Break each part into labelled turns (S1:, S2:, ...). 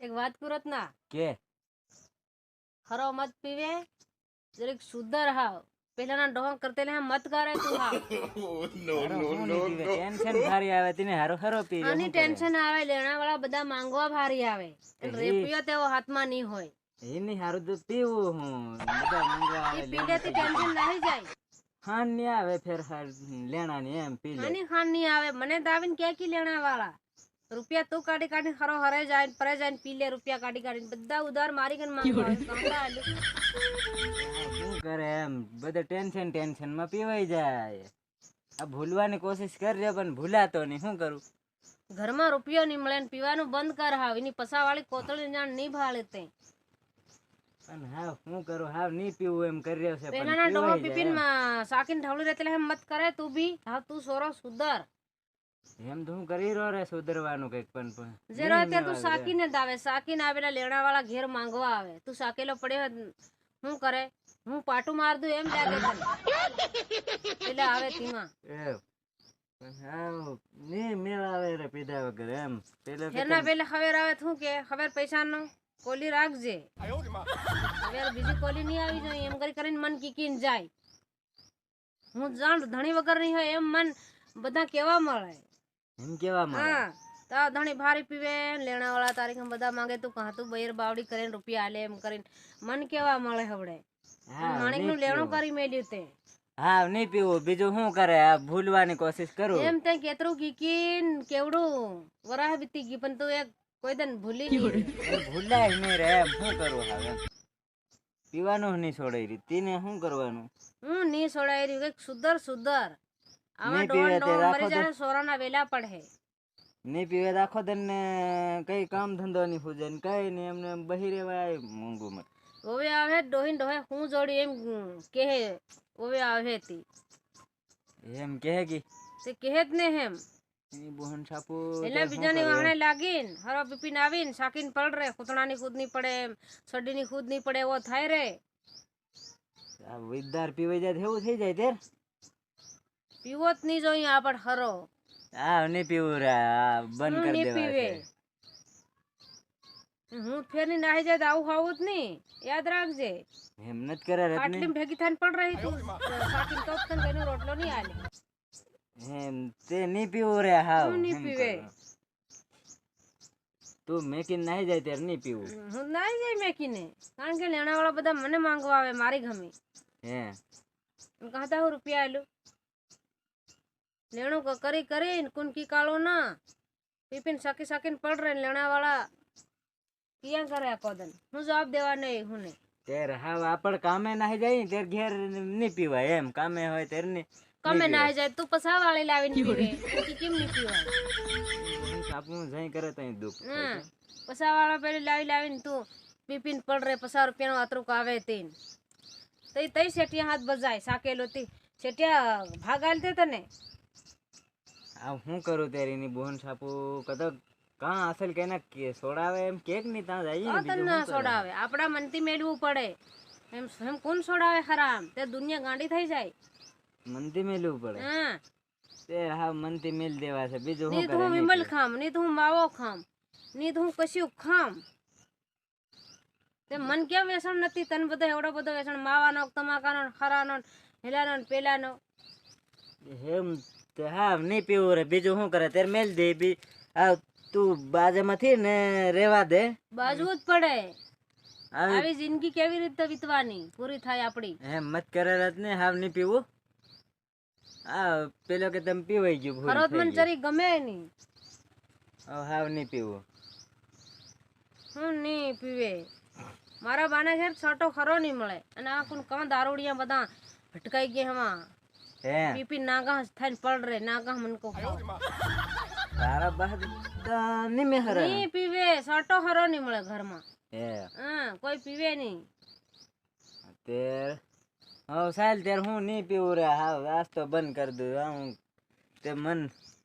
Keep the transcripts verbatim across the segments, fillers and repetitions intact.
S1: एक बात करत ना
S2: કે
S1: हरो मत पीवे जरीक सुधर हाव પેલા ના ડોહા કરતે લે મત કરે તું હાવ
S2: હારો હું નહીં પીવે ટેન્શન ભારી આવે તેને હારો હારો પી લે
S1: આની ટેન્શન આવે લેણા વાળા બધા માંગવા ભારી આવે રેપિયો તેવો હાથમાં નહીં હોય
S2: એની હારું તો પીવું હું બધા માંગવા આવે
S1: પી લેતી ટેન્શન નહીં જાય
S2: ખાન નહીં આવે ફેર લેણા ની એમ પી લે
S1: આની ખાન નહીં આવે મને તો આવીને કે કી લેણા વાળા રૂપિયા તું કાઢી કાઢી ખરો હરે જાય પરે જાય પી લે રૂપિયા કાઢી કાઢી બધા ઉધાર મારી ગન માંગવા આવે
S2: શું કરે એમ બધા ટેન્શન ટેન્શન માં પીવાઈ જાય આ ભૂલવાની કોશિશ કરજે પણ ભૂલાતો નહીં શું કરું
S1: ઘરમાં રૂપિયો નહીં મળે ને પીવાનું બંધ કર હાવ એની પસાવાળી કોતળી જાણ નહીં ભાળે તે
S2: પણ હાવ શું કરું હાવ નહીં પીવું એમ કરી રહ્યો છે
S1: પેલાના ડોહો પીપીન સાકીન ઢવળી રહેતે એમ મત કરે તું બી હાવ તું સોરો સુધર
S2: એમ તો હું કરી રહ્યો રે સુધરવાનું કઈક પણ
S1: જે રહે તે તું સાકીને જ આવે સાકીને આવેલા લેણા વાળા ઘેર માંગવા આવે તું સાકેલો પડ્યો શું કરે હું પાટું માર દઉં એમ લાગે તને એટલે આવે તીમાં
S2: હાવ ની મેળ આવે રે પીધા વગર એમ પેલા
S1: ઘેરના પેલે ખબર આવે શું કે ખબર પૈસાનો કોલી રાખજે હવે બીજી કોલી નહીં આવી જોઈએ એમ કરી કરીને મન કીકીને જાય હું જાણ ધણી વગર નહીં હોય એમ મન બધા કેવા મળે
S2: એમ કેવા મળે
S1: હા તા ધણી ભારી પીવે લેણા વાળા તારીખ બધા માંગે તું કહા તું બૈર બાવડી કરીને રૂપિયા આલે એમ કરીને મન કેવા મળે હવડે માણેક નું લેણું કરી મેલ્યું તે
S2: હા નહીં પીવું બીજું શું કરે આ ભૂલવાની કોશિશ કરું
S1: એમ તે કેતરું કીકીન કેવડું વરાહ બીતી ગઈ પણ તું એક કોઈ દન ભૂલી ગઈ
S2: ભૂલાય નહીં રે એમ શું કરું હવે પીવાનું નહીં છોડાઈ રહી તેને શું કરવાનું
S1: હું નહીં છોડાઈ રહ્યું કઈક સુધર સુધર આવા ડોન ડોન મરી જાય સોરાના વેલા પડે
S2: નહીં પીવે તો આખો દન ને કઈ કામ ધંધો નહીં ફૂજે ને કઈ નહીં એમને બહી રેવાય મોંઘું માં
S1: ઓવે આવે ડોહીન ડોહે હું જોડી એમ કહે ઓવે આવે તી
S2: એમ કહે કે
S1: તે કહે જ ને એમ
S2: એની બોહન છાપુ
S1: એટલે બીજાની વાહણે લાગીન હરો પીપીન આવીન સાકીન પડ રે કૂતણાની ખુદ ની પડે સડીની ખુદ ની પડે એવો થાય રે
S2: આ વિદાર પીવાઈ જાય એવું થઈ જાય તેર
S1: પીવો જ નહીં જોઈએ આપણ હરો
S2: હા નહીં પીવું રે બંધ કરી દેવા
S1: હું ફેર ની નાહી જાય તો આવું ખાવું જ નહીં યાદ રાખજે
S2: એમ નત કરે
S1: આટલી ભેગી થઈને પડ રહી તું સાકીન તો તને કઈનો રોટલો નહીં આલે
S2: એમ તે નહીં પીવું રે હાવ
S1: હું નહીં પીવે
S2: તું મેકીને નાહી જાય ત્યારે નહીં પીવું
S1: હું નાહી જાય મેકીને કારણ કે લેણા વાળા બધા મને માંગવા આવે મારી ગમે
S2: હે
S1: કહેતા હું રૂપિયા આલું લેણું કરી કરીને કુનકી કાળો ના પીપીને સાકી સાકીને પડ રહે લેણા વાળા ક્યાં કરે આ કોદન હું જવાબ દેવા નહીં હું ને
S2: ત્યારે હાવ આપણ કામે નાહી જાય ને ત્યારે ઘેર નહીં પીવાય એમ કામે હોય ત્યારે નહીં
S1: કમે નાહી જાય તું પસા વાળી લાવીને પીવે તું કેમ નહીં પીવાય
S2: આપણું જઈ કરે તઈ દુઃખ
S1: હા પસા વાળા પેલી લાવી લાવીને તું પીપીને પડ રહે પચાસ રૂપિયાનો આતરું આવે તેન તઈ તઈ શેઠિયા હાથ બજાય સાકેલો તી શેઠિયા ભાગ આલતે તને
S2: આ હું કરું ત્યારે એની બોન છાપુ કદા કાં અસલ કે ના કે સોડાવે એમ કેક ની ત્યાં જઈએ ને
S1: તને ના સોડાવે આપડા મનથી મેળવું પડે એમ એમ કોણ સોડાવે ખરામ તે દુનિયા ગાંડી થઈ જાય
S2: મનથી મેલવું પડે
S1: હા
S2: તે હા મનથી મેલ દેવા છે બીજું
S1: ની તો હું વિમલ ખામ ની તો હું માવો ખામ ની તો હું કશું ખામ તે મન કેમ વેસણ નથી તને બધો એવડો બધો વેસણ માવાનો તમાકાનો ખરાનો હેલાનો પેલાનો
S2: એમ તે હા નહીં પીવું રે બીજું શું કરે ત્યારે મેલ દે બી આ તું બાજુમાંથી ને રેવા દે
S1: બાજવું જ પડે આવી જિંદગી કેવી રીતે વીતવાની પૂરી થાય આપડી
S2: એમ મત કરે ને હાવ નહીં પીવું આ પેલો કે તમે પીવાઈ ગયું ભૂલ
S1: ખરોત મન ચરી ગમે નહીં
S2: હાવ નહીં પીવું
S1: હું નહીં પીવે મારા બાને ઘેર છોટો ખરો નહીં મળે અને આ કોણ કાં દારૂડિયા બધા ભટકાઈ ગયા હમાં
S2: હે
S1: પીપી નાગા થઈને પડ રે નાગા મન કો
S2: તારા બાદ નહીં મેં હરે
S1: નહીં પીવે છોટો ખરો નહીં મળે ઘરમાં
S2: હે
S1: હા કોઈ પીવે નહીં
S2: તે હા સાલ ત્યારે હું નહીં પીવું રે હા આજ તો બંધ કરી દઉં હું તે મન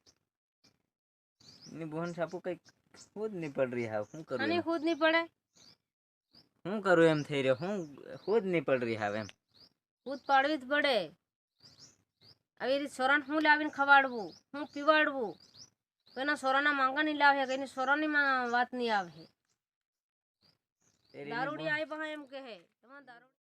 S2: ની બોન છાપુ કઈક ખુદ નહીં પડ રહી હા શું કરું
S1: અને ખુદ નહીં પડે
S2: શું કરું એમ થઈ રહ્યો હું ખુદ નહીં પડ રહી હા એમ
S1: ખુદ પાડવી જ પડે આવી રીતે સોરાને હું લાવીને ખવાડવું હું પીવાડવું કોઈના સોરાના માંગા નહીં લાવે કોઈની સોરાની વાત નહીં આવે
S2: તેરીને
S1: દારૂડી
S2: બહુ-
S1: આવી પાસે એમ કહે તમારે દારૂ